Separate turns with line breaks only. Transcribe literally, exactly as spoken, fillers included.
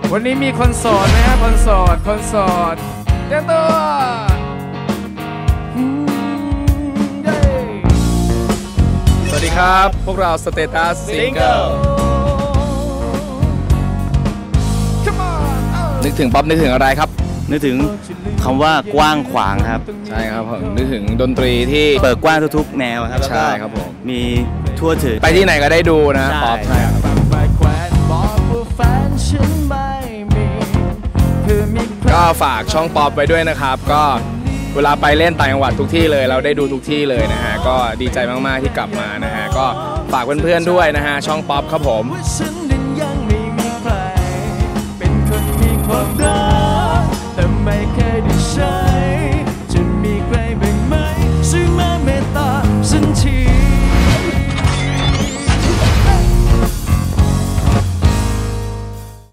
วันนี้มีคนโสดไหมครับคนโสดคนโสดเจ้าตัวสวัสดีครับพวกเราสเตตัสซิงเกิลนึกถึงป๊อปนึกถึงอะไรครับ
นึกถึงคำว่ากว้างขวางครับ
ใช่ครับผมนึกถึงดนตรีที่
เปิดกว้างทุกๆแนวครับ
ใช่ครับผม
มีทั่วถึง
ไปที่ไหนก็ได้ดูนะป๊อปใช่ครับก็ฝากช่องป๊อปไว้ด้วยนะครับก็เวลาไปเล่นต่างจังหวัดทุกที่เลยเราได้ดูทุกที่เลยนะฮะก็ดีใจมากๆที่กลับมานะฮะก็ฝากเพื่อนๆด้วยนะฮะช่องป๊อปครับผม